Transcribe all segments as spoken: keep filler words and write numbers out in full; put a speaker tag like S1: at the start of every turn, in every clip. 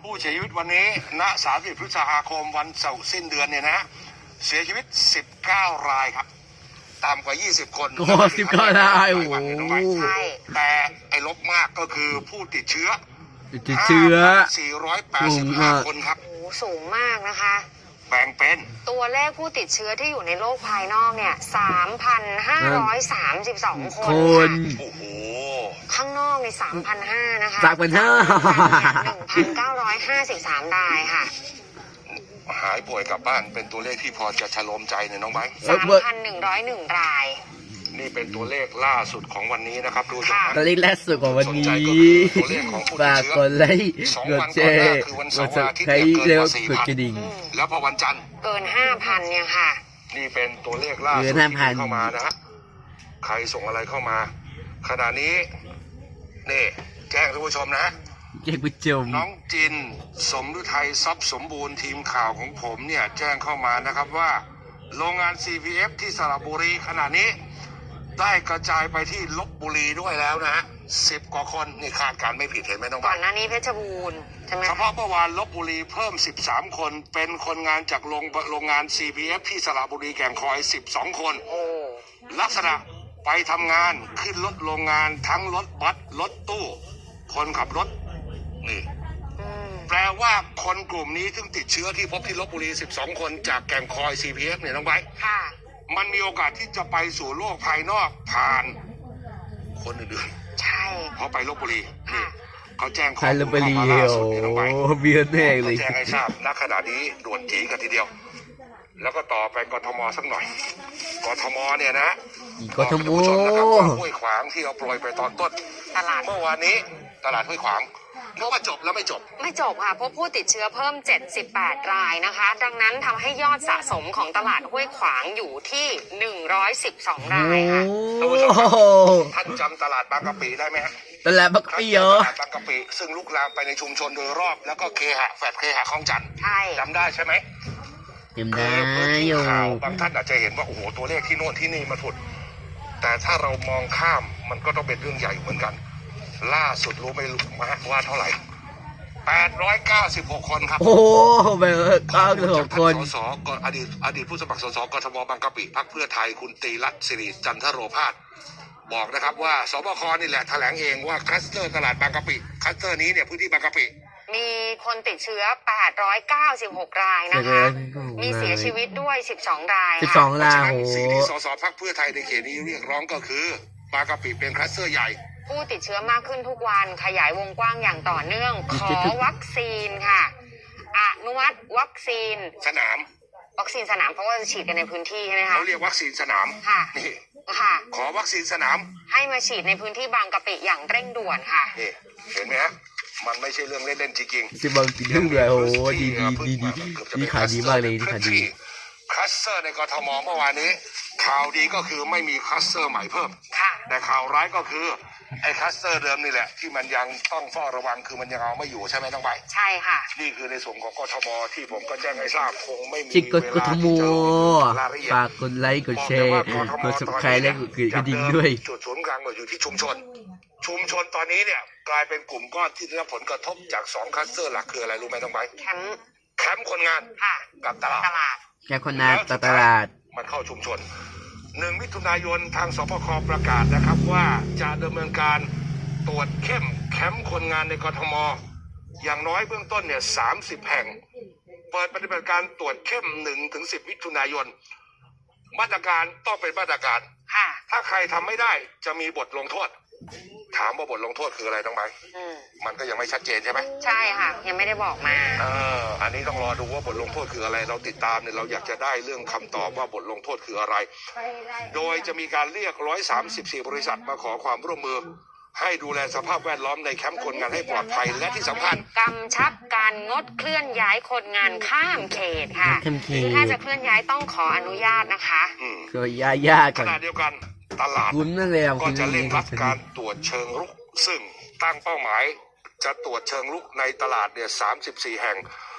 S1: ผู้เสียชีวิตวันนี้ณสามสิบพฤษภาคมวันเสาร์สิ้นเดือนเนี่ยนะเสียชีวิตสิบเก้ารายครับต่ำกว่ายี่สิบคน
S2: โอ้สิบเก้ารายโอ้โห
S1: ใช่แต่ไอ้ลบมากก็คือผู้ติดเชื้อ
S2: ติดเชื้อ
S1: สี่ร้อยแปดสิบห้าคนครับ
S3: โอ้สูงมากนะคะ
S1: แบ่งเป็น
S3: ตัวเลขผู้ติดเชื้อที่อยู่ในโลกภายนอกเนี่ย สามพันห้าร้อยสามสิบสอง คน
S1: โอ้โห
S3: ข้างนอกใน สามพันห้าร้อย นะคะ
S2: สามพันห้า
S3: หนึ่งพันเก้าร้อยห้าสิบสาม รายค่ะ
S1: หายป่วยกลับบ้านเป็นตัวเลขที่พอจะชโลมใจเนี่ยน้องไบร์ท
S3: สามพันหนึ่งร้อยเอ็ด ราย
S1: นี่เป็นตัวเลขล่าสุดของวันนี้นะครับดูสิ
S2: ตัวเลขล่าสุดของวันนี้ฝากกดไลค์กดแชร์กดซับสไครต์แล้วกดกระดิ่ง
S1: แล้วพอวันจันทร์
S3: เกิน ห้าพัน เนี่ยค่ะ
S1: นี่เป็นตัวเลขล่าสุดที่เข้ามานะฮะใครส่งอะไรเข้ามาขณะนี้นี่แจ้งท่านผู้ชมนะ
S2: แจ้งผู้ชม
S1: น้องจินสมฤทัยทรัพย์สมบูรณ์ทีมข่าวของผมเนี่ยแจ้งเข้ามานะครับว่าโรงงาน ซี พี เอฟ ที่สระบุรีขณะนี้ได้กระจายไปที่ลพบุรีด้วยแล้วนะฮะสิบกว่าคนนี่คาดการไม่ผิดเห็นไหมน้อง
S3: ก่อนหน้านี้เพชรบูรณ์ใช่ไหม
S1: เฉพาะเมื่อวานลพบุรีเพิ่มสิบสามคนเป็นคนงานจากโรงโรงงาน ซี พี เอฟ ที่สระบุรีแก่งคอยสิบสองคน
S3: โอ้
S1: ลักษณะไปทำงานขึ้นรถโรงงานทั้งรถบัสรถตู้คนขับรถนี่แปลว่าคนกลุ่มนี้ซึ่งติดเชื้อที่พบที่ลพบุรีสิบสองคนจากแก่งคอย ซี พี เอฟ เนี่ยน้องไบร์ท
S3: ค่ะ
S1: มันมีโอกาสที่จะไปสู่โลกภายนอกผ่านคนอื่น
S3: ๆใช่
S1: เพราะไปลพบุรีนี่เขาแจ้งข้อ
S2: มูลเข้ามาล่าสุดนี่น้องไบร์ทเบียดแน่เลย
S1: แจ้งให้ทราบณขณะนี้ด่วนจีกันทีเดียวแล้วก็ต่อไปกทมสักหน่อยกทมเนี่ยนะ
S2: กทม
S1: ห้วยขวางที่เราโปรยไปตอนต้น
S3: ตลาด
S1: เมื่อวานนี้ตลาดห้วยขวางเพราะว่าจบแล้วไม่จบ
S3: ไม่จบค่ะพบผู้ติดเชื้อเพิ่มเจ็ดสิบแปดรายนะคะดังนั้นทำให้ยอดสะสมของตลาดห้วยขวางอยู่ที่หนึ่งร้อยสิบสองรายค่ะ
S1: ท่านจำตลาดบางกะปิได้ไหมฮะ
S2: ตลาดบางกะปิเหรอ
S1: ตลาดบางกะปิซึ่งลุกลามไปในชุมชนโดยรอบแล้วก็เคหะแฟดเคหะคลองจันทร์
S3: ใช่
S1: จำได้ใช่ไหม
S2: จำได้อยู่
S1: บางท่านอาจจะเห็นว่าโอ้โหตัวเลขที่โน่นที่นี่มาถุดแต่ถ้าเรามองข้ามมันก็ต้องเป็นเรื่องใหญ่เหมือนกันล่าสุดรู้ไหมว่าเท่าไหร่แปดร้อยเก้าสิบหกคนครับ
S2: โอ้แปดร้อยเก้าสิบหกคน
S1: สสกอดีตอดีตผู้สมัครสสกทมบางกะปิพรรคเพื่อไทยคุณตรีรัตน์สิริจันทโรภาสบอกนะครับว่าสบคนี่แหละแถลงเองว่าคลัสเตอร์ตลาดบางกะปิคลัสเตอร์นี้เนี่ยพื้นที่บางกะปิ
S3: มีคนติดเชื้อแปดร้อยเก้าสิบหกรายนะคะมีเสียชีวิตด้วยสิบสองราย
S2: สิบสองรายโอ้
S1: สิ่งที่สสพรรคเพื่อไทยในเขตนี้เรียกร้องก็คือบางกะปิเป็นคลัสเตอร์ใหญ่
S3: ผู้ติดเชื้อมากขึ้นทุกวันขยายวงกว้างอย่างต่อเนื่องขอวัคซีนค่ะอนุมัติวัคซีน
S1: สนาม
S3: วัคซีนสนามเพราะว่าจะฉีดกันในพื้นที่ใช่ไหมคะ
S1: เขาเรียกวัคซีนสนาม
S3: ค่ะ
S1: นี่
S3: ค่ะ
S1: ขอวัคซีนสนาม
S3: ให้มาฉีดในพื้นที่บางกะปิอย่างเร่งด่วนค่ะ
S1: นี่เห็นไหมฮะมันไม่ใช่เรื่องเล่นๆจริง
S2: ๆสิบางจริงเลยโอ้ดีดีดีดีดีขายดีมากเลยดีขายดี
S1: คลัสเตอร์ในกทมเมื่อวานนี้ข่าวดีก็คือไม่มีคลัสเตอร์ใหม่เพิ่มแต่ข่าวร้ายก็คือไอ้คลัสเตอร์เดิมนี่แหละที่มันยังต้องเฝ้าระวังคือมันยังเอาไม่อยู่ใช่ไหมน้องใบ
S3: ใช่ค่ะ
S1: นี่คือในส่วนของกทมที่ผมก็แจ้งให้ทราบคงไม่มี
S2: เวลาที่จะฝากกดไลค์กดแชร์กดซับสไครต์และกดกระดิ่งด้วย
S1: จุดศูนย์กลางอยู่ที่ชุมชนชุมชนตอนนี้เนี่ยกลายเป็นกลุ่มก้อนที่ได้รับผลกระทบจากสองคลัสเตอร์หลักคืออะไรรู้ไหมน้องใบ
S3: แคมป์
S1: แคมป์คนงานกับตลาด
S2: แคมป์คนงานกับตลาด
S1: มันเข้าชุมชนหนึ่งมิถุนายนทางสปคประกาศนะครับว่าจะดำเนินการตรวจเข้มแคมป์คนงานในกทมอย่างน้อยเบื้องต้นเนี่ยสามสิบแห่งเปิดปฏิบัติการตรวจเข้มหนึ่งถึงสิบมิถุนายนมาตรการต้องเป็นมาตรการถ้าใครทำไม่ได้จะมีบทลงโทษถามว่าบทลงโทษคืออะไรต้องไหมมันก็ยังไม่ชัดเจนใช่ไหม
S3: ใช่ค่ะยังไม่ได้บอกมา
S1: เอออันนี้ต้องรอดูว่าบทลงโทษคืออะไรเราติดตามเนี่ยเราอยากจะได้เรื่องคำตอบว่าบทลงโทษคืออะไรโดยจะมีการเรียกหนึ่งร้อยสามสิบสี่บริษัทมาขอความร่วมมือให้ดูแลสภาพแวดล้อมในแคมป์คนงานให้ปลอดภัยและที่สำคัญ
S3: กำชับการงดเคลื่อนย้ายคนงานข้ามเขตค่ะคือถ้าจะเคลื่อนย้ายต้องขออนุญาตนะคะ
S2: ก็ย้ายยาก
S1: ขณะเดียวกันตลาดก็จะเร่งรัดการตรวจเชิงรุกซึ่งตั้งเป้าหมายจะตรวจเชิงรุกในตลาดเนี่ยสามสิบสี่แห่ง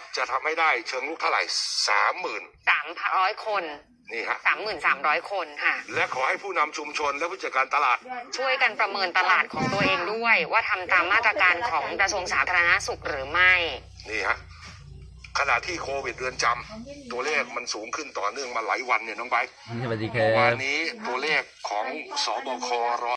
S1: จะทำให้ได้เชิงลุกเท่าไหร่สามหมื่น
S3: สามร้อยคน
S1: นี่ฮะ
S3: สามหมื่นสามร้อยคนค่ะ
S1: และขอให้ผู้นำชุมชนและผู้จัดการตลาด
S3: ช่วยกันประเมินตลาดของตัวเองด้วย ว่าทำตามมาตรการของกระทรวงสาธารณสุขหรือไม่
S1: นี่ฮะขณะที่โควิดเรือนจำตัวเลขมันสูงขึ้นต่อเนื่องมาหลายวันเนี่ยน้องไบร์ท
S2: สวัสดีค
S1: เมื่อวา
S2: รั
S1: น
S2: บ
S1: นี้ตัวเลขของสบคร